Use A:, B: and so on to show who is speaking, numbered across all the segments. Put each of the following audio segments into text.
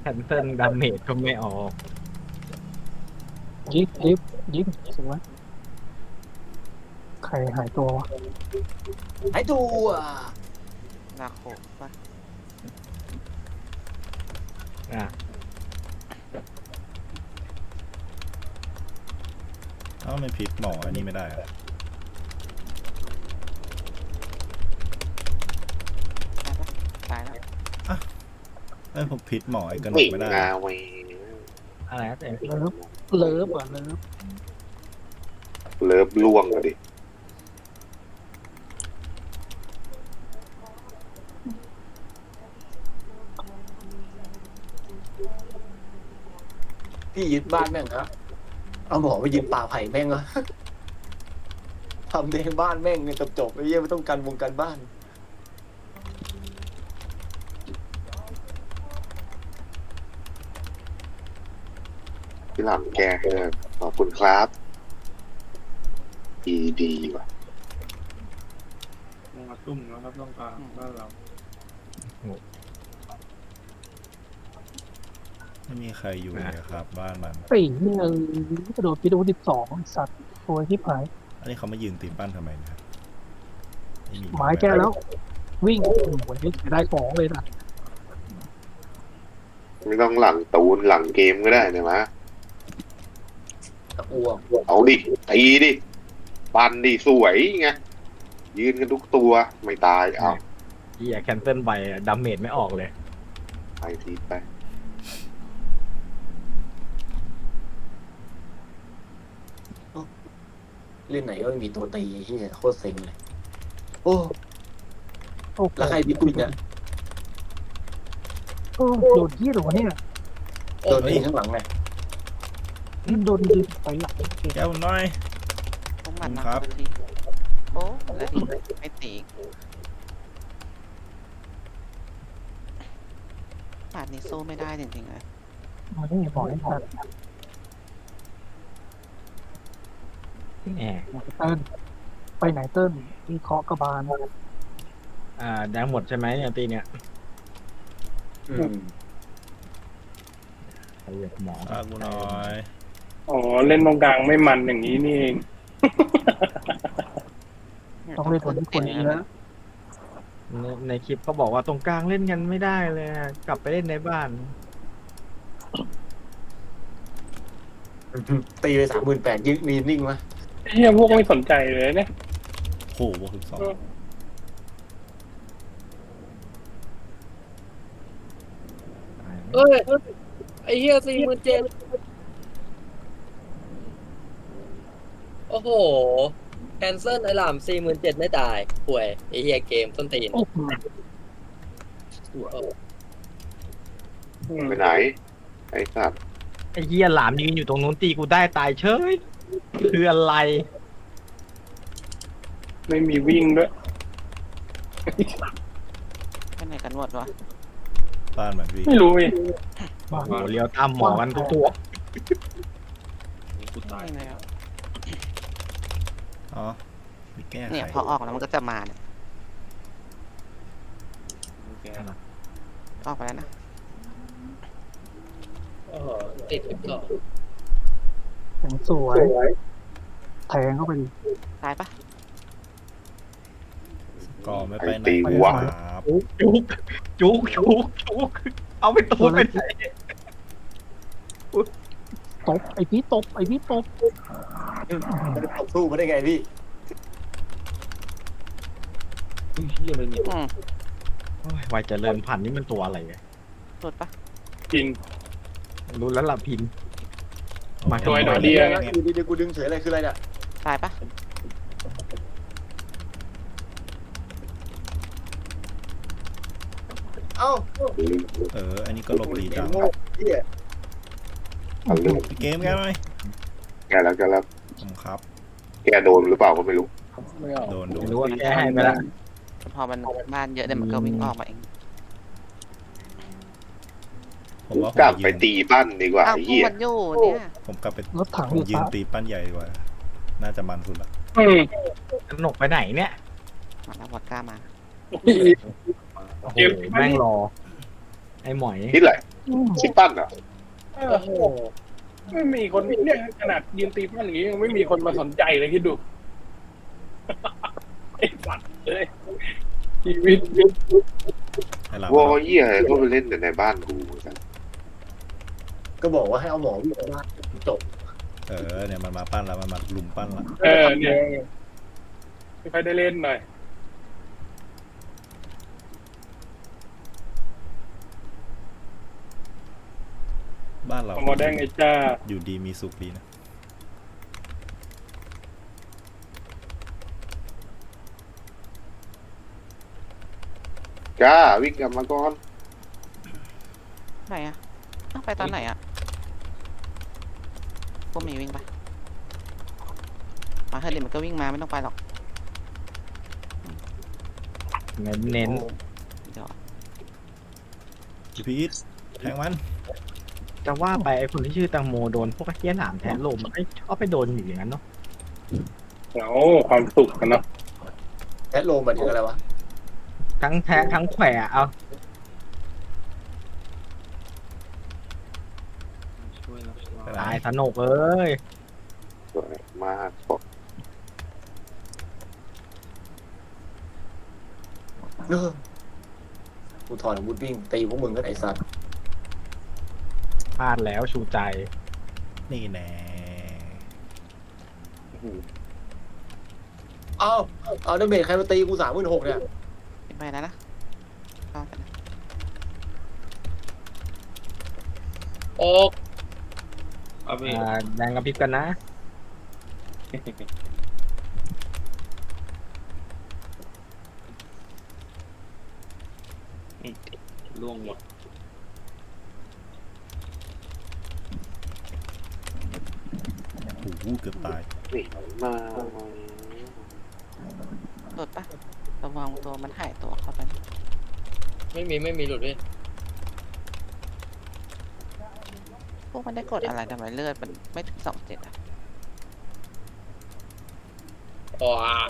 A: นเซิลดาเมจก็ไม่ออก
B: ยิงสวยใครหายตัววะ
C: หายตัว
D: นาโคปะ
A: อ่ะ
E: เอ้าไม่พิษหมออันนี้ไม่ได้อะ
D: ตายแล้ว
E: เอ้ยผมพิษหมอไอ้กระหน
F: วิ่
E: ก
F: ง
E: ไม่ได้
F: มาเว้ย
A: อะไรนะเต้
B: เลิฟอ่ะเลิฟ
F: เลิฟล่วงเลยดิ
C: พี่ยึดบ้านแม่งนะเอาหมอไปยืนป่าไผ่แม่งเหรอทำในบ้านแม่งเนี่ยจบๆไอ้เหี้ยไม่ต้องกันวงการบ้าน
F: พี่หลังแก้ให้เลยขอบคุณครับดีว่ะ
G: มาตุ้มนะครับต้องการบ้านเรา
E: ไม่มีใครอยู่เลยครับ บ้านมัน
B: ไอ้เนี่ยกระโดดปีดู12สัตว์ตัวที่หาย
E: อันนี้เขามายืนตีปั้นทำไมเนะครับ
B: ไม้แก้แล้ว วิ่งวันนี้ได้ของเลยนะ
F: ไม่ต้องหลังตูนหลังเกมก็ได้นะมะ
C: ตะอ้วง
F: เอาดิตีดิปันดิสวยไงยืนกันทุกตัวไม่ตายเอา
A: เฮียแคนเซิลไปดาเมจไม่ออกเลย
F: ไปทีไป
C: เล่นไหนก็ไม่มีตัวตีไอ้เหี้ยโคตรเซ็งเลย โอ้
B: โอ้
C: แล้วใครบิ๊กวินเนี่ย
B: โดนที่หรอเนี่ย
C: โดนยิงข้างหลังไง
B: โดนยิงไปหลัง
E: แก้วน้อย
D: พวกมัน
E: ครั
D: นะ
E: บ
D: ทีโอ้แล้วทีไม่ตีป่านนี้สู้ไม่ได้จริงๆเลย
B: มันไม่บอกให้ทัน
A: แหม
B: เติ้ลไปไหนเติ้ลมีเคาะกระบาล
A: แดงหมดใช่ไหมเนี่ยตีเนี่ย
C: อืม
A: ไอ้เหี้ยหมอ
E: อากูน้อย
G: อ๋อเล่นตรงกลางไม่มันอย่างนี้นี่เอง
B: ต้องเล่นคนที่คนนี้แล้ว
A: ในคลิปเขาบอกว่าตรงกลางเล่นกันไม่ได้เลยอะกลับไปเล่นในบ้าน
C: ตีไป38,000ยึดมีนิ่งวะ
G: เฮียพวกไม่สนใจเลยเนี่ย
E: โหบวก12
H: เอ้ยไอ้เหี้ย47,000โอ้โหแคนเซิลไอ้หล่ำ47,000ไม่ตายป่วยไอ้เหี้ยเกมต้นตีน
B: โอ้โห
F: ไปไหนไอ้สัตว์
A: ไอ้เฮียหลามยืนอยู่ตรงนู้นตีกูได้ตายเฉยคืออะไร
G: ไม่มีวิ่งด้วย
D: ไปไหนกันหมดวะ
E: บ้านมันวิ่ง
G: ไม่รู้เว้ย
A: โอ้โหเลี้ยวตามหมอกันทุกตัว
D: ไม่เลยอะ
E: อ๋อมีแก้ไข
D: เนี่ยพอออกแล้วมันก็จะมาเนี่ยออกไปแล้วนะ
H: โอ้โหติด12
B: แข็งสวยแทงเข้าไปดิ
D: ตายปะ
E: ก็ไม่ไปไหน
F: ตีหัว
E: ครับ
A: จุกเอาไปตูนไปไหน
B: ตบไอพี่ตบไอพี่ตบ
C: มันจะตบสู้มาได้ไงพี่
D: อืม
A: โอ้ยวัยเจริญพันธุ์นี่มันตัวอะไรเนี่ย
D: หลุดปะ
G: จริง
A: รู้แล้วล่ะพิน มา
G: ตัวไอ้หนอเดียเนี่ย
C: อยู่ดีๆกูดึงเฉยอะไรคืออะไรเนี่ย
D: ตายปะ
C: เอ้า
E: อันนี้ก็หลบดีจัง
C: โง่เหี้ย
F: เอาเรื่อง
E: พี่เกมแก้วน้อย
F: แกแล้ว
E: ผมครับ
F: แกโดนหรือเปล่าก็ไม่รู้
G: ไม่เอา
E: โดน
A: ไม่รู้ว่าแก้ให้ไปละ
D: พอมันบ้านเยอะเดี๋ยวมันก็วิ่งออกมาเอง
E: ผมว่าผ
F: กลับ
E: ม
F: ไป
E: ยืน
F: ตีปั้นดีกว่า
D: อ้าว
F: ไอ้
D: พวก
F: เหี้ย
D: มันอยู่เนี่ย
E: ผมกลับไป
B: รถถัง
E: ผ
B: อ
E: ม
B: ยู่
E: ยืน
B: ซ้าย
E: ตีปั้นใหญ่ดีกว่า น่าจะมันสุดละ
G: อืม
A: กนกไปไหนเนี่ย
D: มาแล้ววอดก้ามา
A: โอ้โหแม่งรอ ไอ้หมอย
F: นี่แหละสิปั้นเหรอ
G: โอ้โหไม่มีคนเนี่ยขนาดยืนตีปั้นอย่างนี้ยังไม่มีคนมาสนใจเลยคิดดู ไอ้สัตว์เลยชีวิต
E: ให้หลัง
F: วอเยี่ยก็ไปเล่นแต่ในบ้านกูกัน
C: ก็บอกว่าให้เอาหมอวิ่งไปบ้านจบ
E: เนี่ยมันมาปั้นแล้วมันมาลุมปั้นละ
G: เนี่ยไม่ค่อยได้เล่นหน่อย
E: บ้านเรา
G: เอามาได้ไงจ้า
E: อยู่ดีมีสุขดีนะ
F: จ้าวิ่งกลับมาก่อน
D: ไหนอะต้องไปตอนไหนอะพวกหมีวิ่งไปมาเฮลิมันก็วิ่งมาไม่ต้องไปหรอก
A: เน้นเน้น
D: เดี๋ยว
E: พี่พีทแทงมัน
A: จะว่าไปไอ้คนที่ชื่อตังโมโดนพวกไอ้เหี้ยหลามแทนลมไอ้ชอบไปโดนอยู่อย่างนั้นเนาะ
G: เอาความสุขกันเนาะ
C: แอดโลมมันถึงอะไรวะ
A: ทั้งแทะทั้งแขวะเอา
E: ไปไหน
A: ตายสนุกเอ้ย
F: สวยมากบอก
C: กูถอนอาวุธวิ่งตีพวกมึงกันไอ้สัตว์
A: พลาดแล้วชูใจ
E: นี่แน่
C: เอาดาเมจใครมาตีกู36,000เนี่ย
D: ไปแล้วนะเข้ากันนะ
H: โอ๊ก
A: แดงกระพริบกันนะ
G: ล่วงหมด
E: โอ้โหเกือบตาย
F: หนีมา
D: หลุดปะระวังตัวมันหายตัวเข้าไปนะ
H: ไม่มีหลุดเลย
D: พวกมันได้กดอะไรทำไมเลือดมันไม่ถึง27อะ
H: อ๋อ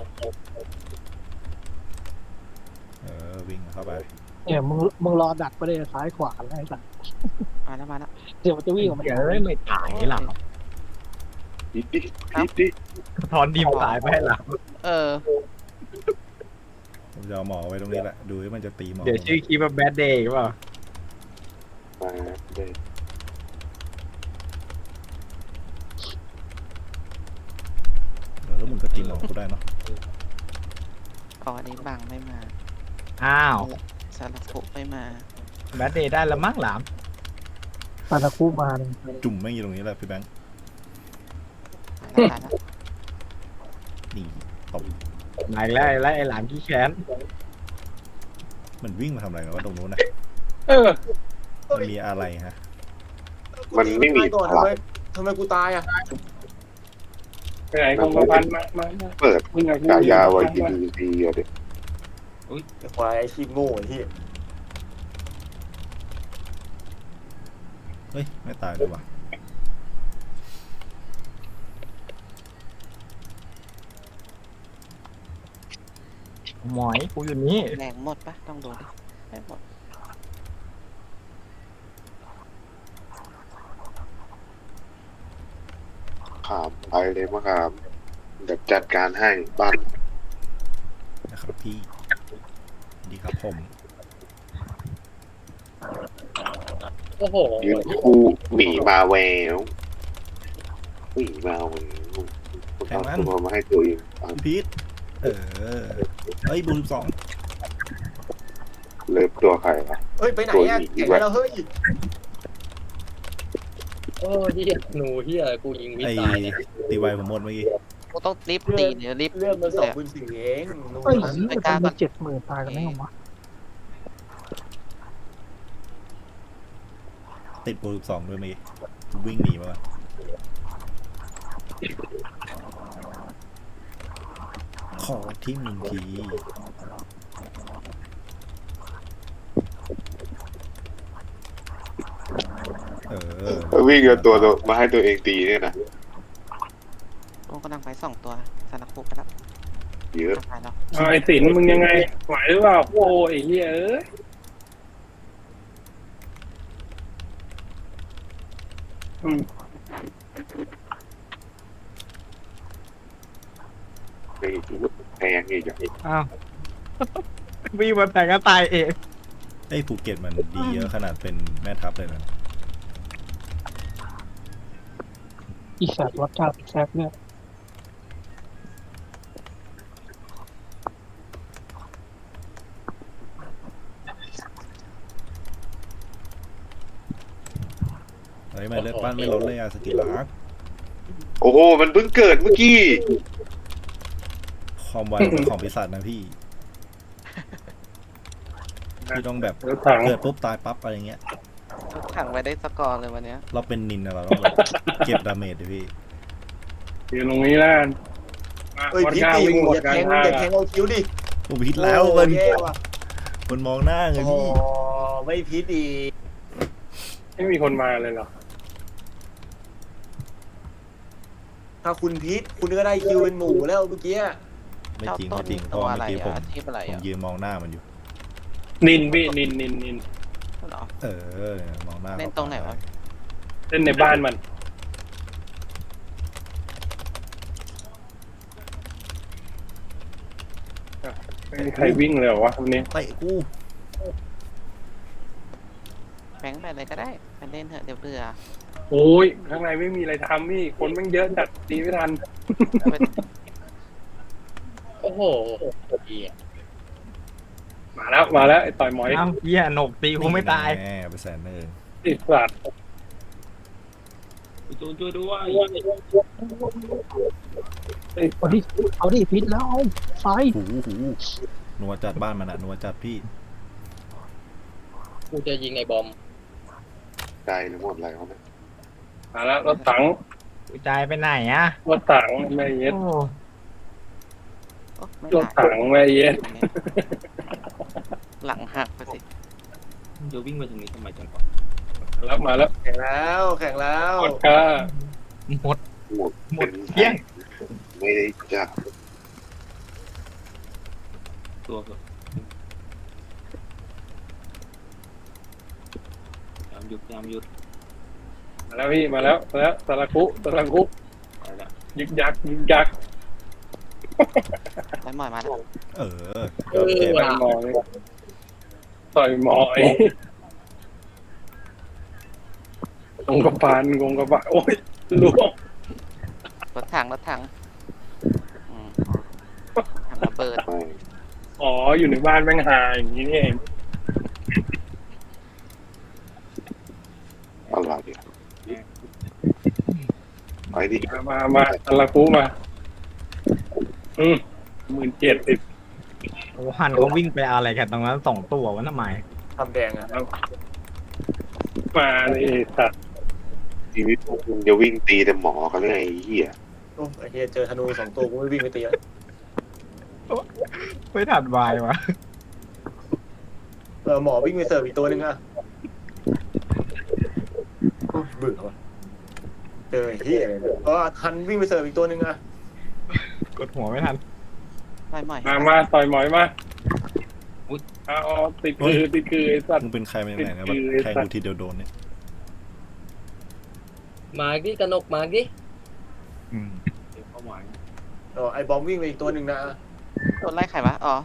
E: วิ่งเข้าไป
B: เนี่ยมึงรอดักไปเลยซ้ายขวาแล้วไอ้สัส
D: มาแล้ว
B: เดี๋ยวมันจะวิ่งออกมา
A: เดี๋ยวไม่ตายหรอก
F: ดิดิดิ
A: ทอนดีมตายไปให้หลัง
D: เออ
E: ผมจะเอาหมอไว้ตรงนี้แหละ ดูว่ามันจะตีหมอ
A: เดี๋ยวชื่อคลิปว่าแบดเดย์เปล่า
F: มาเด็ก
E: แล้วมึงก็ตีหมอกูได้เนาะ
D: อ๋ออันนี้บังไม่มา
A: อ้าว
D: สารพุไม่มา
A: แบดเดย์ได้ละมั้งหลาม
B: ตาตะคู่มาเลย
E: จุ่มแม่งอยู่ตรงนี้แหละพี่แบงค์
D: ตายแล้ว
E: นี่ตบ
A: ไหนแล้วไอ้หลามขี้แค้น
E: มันวิ่งมาทำอะไรกันวะตรงนู้นนะ
G: เออ
E: มันมีอะไรฮะ
F: มันไม่มี
C: ก่อน
F: พลัง
C: ทำไมกูตายอ่ะ
G: ไปไหนคงกระพันมา
F: เปิด
G: วิ่งกับ
F: กายาไว้กินดีอะเด็ก
C: ไอ้ควายไอ้ชีพโง่ไอ้ที่
E: เฮ้ย ไม่ตายด้วยวะ
A: หมอยกูอยู่นี่
D: แรงหมดปะต้องดูดิไม่หมด
F: ขามไปเลยมะขามเดี๋ยวจัดการให้บ้าน
E: นะครับพี่ ดีครับผม
H: โอ้โห
F: ยืนคู่หมีมาแววหมีมาแววเอาตัวมาให้ตัวเอง
E: พี่พีทเฮ้ยบู12
F: เลิฟตัวใครวะ
C: เฮ้ยไปไหนอ่ะแข่งแล้วเฮ้ย
H: โอ้เฮียหนูเฮียกูยิงวิ
E: ไอ้
H: ตายเนี่ย
E: ตีไวผมหมดเมื่อกี้
D: กูต้องรีบตีเดี๋ยวรีบ
C: เรื่องมัน24,000เองนู่น
B: เฮ้ย
C: นั่น
B: มันทำมา70,000ตายกันได้ไงวะ
E: ติดบู12ด้วยเมื่อกี้วิ่งหนีมาก่อนขอที่มึงที
F: วิ่งเอาตัวมาให้ตัวเองตีเนี่ยนะ
D: กูกำลังไป2 ตัวสารพุไปแล้ว
F: เยอะ
D: ตายแล้ว
G: ไอ้สินมึงยังไงไหวหรือเปล่าโอ้ไอ้เหี้ย
F: ไปแพงอีกอย่าง
A: อ้าว วิ่งมาแต่ก็ตายเอง
E: ไอ้ภูเก็ตมันดีเยอะขนาดเป็นแม่ทัพเลยนะ
B: อีสัตว์รสชาติแซ่บเนี่ย
E: เฮ้ยมันเลือดปั้นไม่ลดเลยอะสกิลลัก
F: โอ้โหมันเพิ่งเกิดเมื่อกี้
E: ความไวเป็นของปีศาจนะพี่พี่ต้องแบบ
G: รถถัง
E: เกิดปุ๊บตายปั๊บอะไรเงี้ย
D: รถถังไปได้สกอร์เลยวันเนี้ย
E: เราเป็นนินนะเราต้องแบบเก็บดาเมจดิพี่
G: อยู่ตรงนี้แล้วกันมา
C: เอ้ย
G: วัด
C: พีท
G: ก้า
C: ตี
G: วิ่งหมด
C: อย่าก
G: ลา
C: แท
G: ง
C: ง
G: ทาง
C: อย่าแทงเอาคิ้วดิ
E: ผมพิดแล้ว
C: โอ้
E: มัน
C: แย่ว่ะ
E: มันมองหน้าไง
C: โอ้
E: พี่
C: ไม่พีทดี
G: ไม่มีคนมาเลยเหรอ
C: ถ้าคุณพีทคุณก็ได้คิวเป็นหมูแล้วเมื่อกี้
E: ไม่
D: เจ้า
E: จริง
D: ต้
E: ไม่
D: น
E: จริงเพ
D: ตั
E: ราะ
D: ว
E: ว่า
D: อะไร
E: เมื่อกี้ผม
D: อะอาชีพอะไร
E: ผม
D: อะ
E: ยืนมองหน้ามันอยู่
G: นินพี่นิน
D: เหรอ
E: เออมองหน้า
D: เล่นตรงไหนวะ
G: เล่นในบ้านมันไม่มีใครวิ่งเลยเหรอวะวันนี้
E: เตะกู
D: แบงค์ไปอะไรก็ได้ไปเล่นเถอะเดี๋ยวเบื่อ
G: โอ้ยข้างในไม่มีอะไรทำพี่คนแม่งเยอะจัดตีไม่ทัน
D: เอาไป
H: โอ้โหเหี้ย
G: มาแล้วไอ้ต่อยหมอย
A: อ้าวเหี้ยหนกตีกูไม่ตาย
E: แน่ไปแสนเนอร์
G: ติดสัตว์
B: เอาดิพิษแล้วเอาไฟ
E: หูนัวจัดบ้านมันอะนัวจัดพี่
H: กูจะยิงไอ้บอม
F: ใจหรือหมดอะไรวะเนี่ย
G: มาแล้วรถถัง
A: กูใจไปไหนอะ
G: รถถังแม่เย็ด
A: โอ้
D: โอ๊ะไม่
G: รถถังแม่เย็ด
D: หลังหักไปสิ
I: จะวิ่งมาตรงนี้ทำไมจังวะ
G: แล้วมาแล้ว
C: แข่งแล้วแข่งแล้ว
G: กดก้า
A: หมด
F: หมด
A: หม
F: เป็
A: ด
F: น
A: เหี้ย
F: ไม่ได้จับ
I: ตัวเถอะยามหยุด
G: มาแล้วพี่มาแล้วสาราคุ
I: ไปละ
G: ยึกยัก
D: ไปหมอยมาแล้ว
E: เออเจ็บ
G: ต่อยหมอยงงกระบาลโอ้ยล่วง
D: รถถังอืมทำระเบิด
F: ไป
G: อ๋ออยู่ในบ้านแม่งหาอย่างนี้นี่เอง
F: อะไรไปดิ
G: มาสาราคุมา17,000
A: โอ้หันเขาวิ่งไปอะไรกันตรงนั้น2 ตัววะทำไม
C: ทำแดงอ่ะ
G: มาเลยสัตว์
F: ชีวิตพวกมึงจะวิ่งตีแต่หมอกันเลยไอ้เหี้ย
C: โอ้ไอ้เฮียเจอธนู2 ตัวกูไม่วิ่งไปตีแล้ว
A: ไม่ถัดวายวะ
C: หมอวิ่งไปเสิร์ฟอีกตัวหนึงอ่ะโอ้ยเบื่อว่ะเจอไอ้เฮียเลยทันวิ่งไปเสิร์ฟอีกตัวหนึงอ่ะ
A: กดหัวไม่ทัน
D: ไปหมอย
G: มาต่อยหมอยมาเอาติดคือไอ้สัตว์
E: มึงเป็นใครมาจากไหนนะแบบแทงกูทีเดียวโดนเนี่ย
H: มาดิกนกมาดิ
A: อืม
I: เดี๋ยวเข้าหมาย
C: ไอ้บอมวิ่งไปอีกตัวหนึ่งนะ
D: โดนไล่ใครวะอ๋อ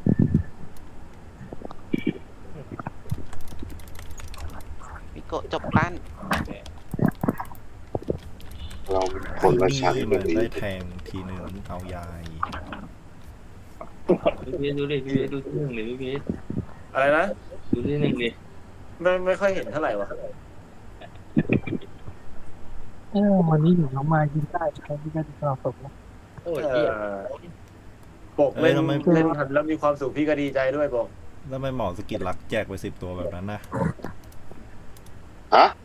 D: มิโกะจบปั้น
F: เราเป็นคนละชั้น
E: นี่
F: กั
E: มัน น
F: ดี
E: ได้แทงทีหนึ่งเอายาย
I: พี่ดูดิพี่ดูที่หนึ่งเลยพี่
C: อะไรนะ
I: ดูที่หนึ่งดิ
C: ไม่ค่อยเห็นเท่าไหร่วะ
B: วันนี้อยู่น้องมายิงได้ใครที่ได้ตลอดศพนะ
H: โอ้ยเหี้ย
C: ปกเล่นเล่นทันแล้วมีความสุขพี่ก็ดีใจด้วยบอก
E: แล้วไม่หมอสกิลลักแจกไป10 ตัวแบบนั้นนะ
F: ฮะ